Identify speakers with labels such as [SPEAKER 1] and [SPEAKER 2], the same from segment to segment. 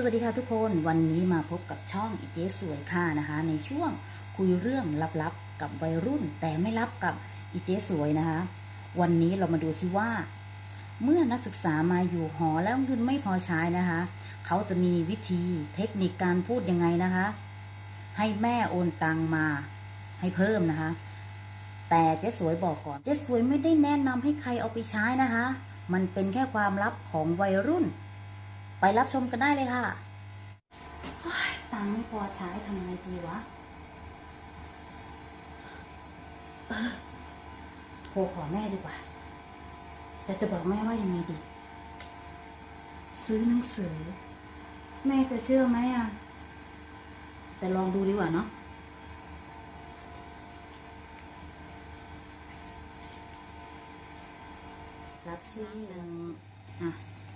[SPEAKER 1] วัสดีค่ะทุกคนวันนี้มาพบกับช่องอีเจ๊สวยค่ะนะคะในช่วงคุยเรื่องลับๆกับวัยรุ่นแต่ไม่ลับกับอีเจ๊สวยนะคะวันนี้เรามาดูซิว่าเมื่อนักศึกษามาอยู่หอแล้วเงินไม่พอใช้นะคะเขาจะมีวิธีเทคนิคการพูดยังไงนะคะให้แม่โอนตังมาให้เพิ่มนะคะแต่เจ๊สวยบอกก่อนเจ๊สวยไม่ได้แนะนำให้ใครเอาไปใช้นะคะมันเป็นแค่ความลับของวัยรุ่นไปรับชมกันได้เลยค่ะตังค์ไม่พอใช้ทำไงดีวะโทรขอแม่ดีกว่าแต่จะบอกแม่ว่ายังไงดีซื้อหนังสือแม่จะเชื่อไหมอ่ะแต่ลองดูดีกว่าเนาะรับซื้อหนึ่งอ่ะ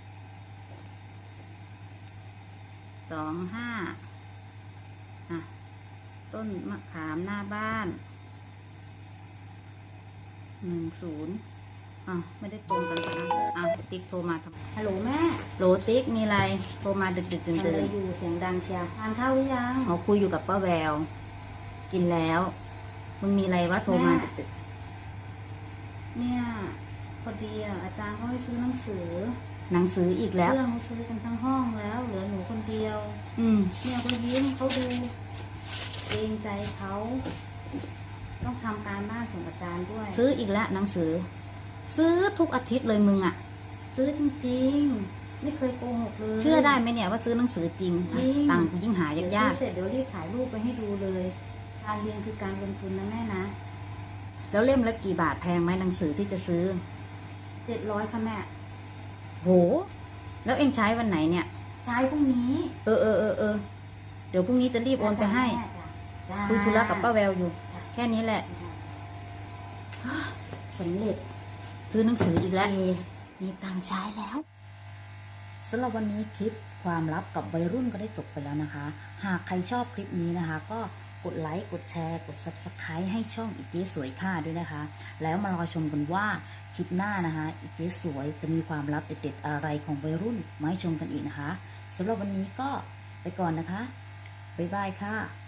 [SPEAKER 1] 25ต้นมะขามหน้าบ้าน10ไม่ได้ตรงกันนะติ๊กโทรมาทำฮัลโหลแม่โหลติ๊กมีอะไรโทรมาดึกตื่นอยู่เสียงดังเชียทานข้าวหรือยังเขาคุยอยู่กับป้าแววกินแล้วมึงมีอะไรวะโทรมาดึกเนี่ยพอดีอาจารย์เขาให้ซื้อหนังสืออีกแล้วเพื่อนเขาซื้อกันทั้งห้องแล้วเหลือหนูคนเดียวเนี่ยเขายิ้มเขาดูเกรงใจเขาต้องทำการบ้านส่งอาจารย์ด้วยซื้ออีกแล้วหนังสือซื้อทุกอาทิตย์เลยมึงอ่ะซื้อจริงๆไม่เคยโกหกเลยเชื่อได้ไหมเนี่ยว่าซื้อหนังสือจริงตังค์กูยิ่งหายากเสร็จเดี๋ยวรีบถ่ายรูปไปให้ดูเลยการเรียนคือการลงทุนนะแม่นะแล้วเล่มละกี่บาทแพงไหมหนังสือที่จะซื้อ700ค่ะแม่โหแล้วเอ็งใช้วันไหนเนี่ยใช้พรุ่งนี้เดี๋ยวพรุ่งนี้จะรีบโอนไปให้คุยธุระกับป้าแววอยู่แค่นี้แหละสำเร็จซื้อหนังสืออีกแล้วมีตังค์ใช้แล้วสำหรับวันนี้คลิปความลับกับวัยรุ่นก็ได้จบไปแล้วนะคะหากใครชอบคลิปนี้นะคะก็กดไลค์กดแชร์กด Subscribe ให้ช่องอีเจ๊สวยค่ะด้วยนะคะแล้วมารอชมกันว่าคลิปหน้านะคะอีเจ๊สวยจะมีความลับเด็ดๆอะไรของวัยรุ่นมาให้ชมกันอีกนะคะสำหรับวันนี้ก็ไปก่อนนะคะบ๊ายบายค่ะ